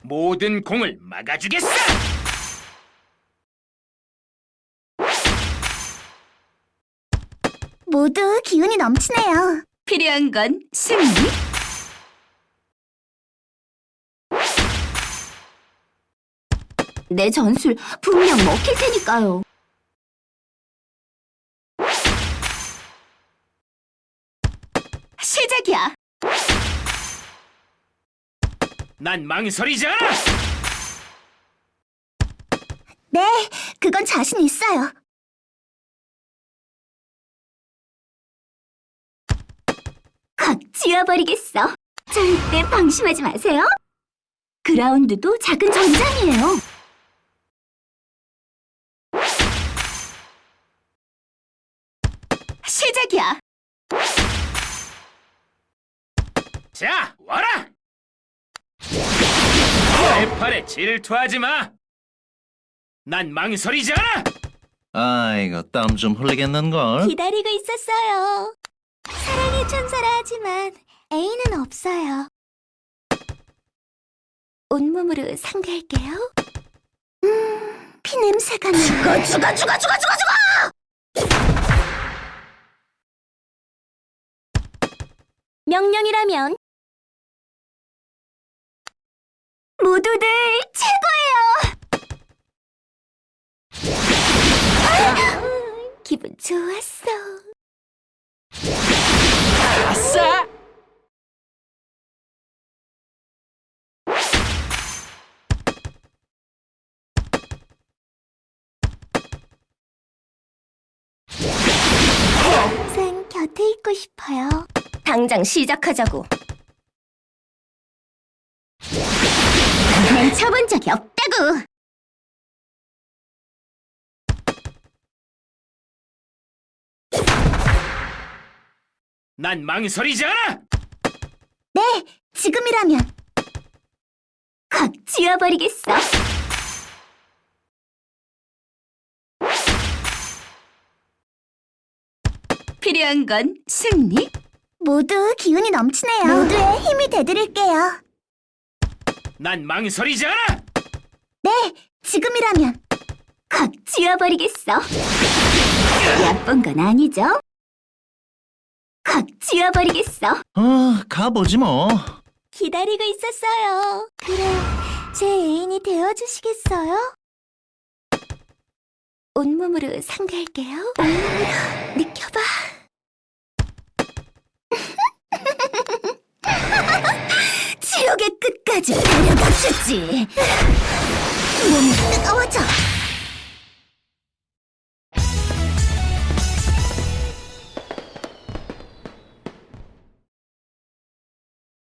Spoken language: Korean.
모든 공을 막아주겠어! 모두 기운이 넘치네요. 필요한 건 승리. 내 전술 분명 먹힐 테니까요. 시작이야. 난 망설이지 않아! 네, 그건 자신 있어요. 확 쥐어버리겠어. 절대 방심하지 마세요. 그라운드도 작은 전장이에요. 시작이야. 자, 와라! 내 팔에 질투하지 마! 난 망설이지 않아! 아이고, 땀 좀 흘리겠는걸? 기다리고 있었어요. 사랑의 천사라 하지만 애인은 없어요. 온몸으로 상대할게요. 피냄새가 나. 죽어! 명령이라면 모두들 최고예요. 기분 좋았어. 아싸! 항상 곁에 있고 싶어요. 당장 시작하자고. 난 쳐본 적이 없다고. 난 망설이지 않아! 네, 지금이라면. 확 쥐어버리겠어. 필요한 건 승리. 모두 기운이 넘치네요. 모두의 힘이 되드릴게요. 난 망설이지 않아! 네, 지금이라면. 확 쥐어버리겠어. 얕본 건 아니죠? 확 쥐어버리겠어. 가보지 뭐. 기다리고 있었어요. 그래, 제 애인이 되어주시겠어요? 온몸으로 상대할게요. 온몸으로 느껴봐. 지옥의 끝까지 데려다 주지. 몸이 뜨거워져.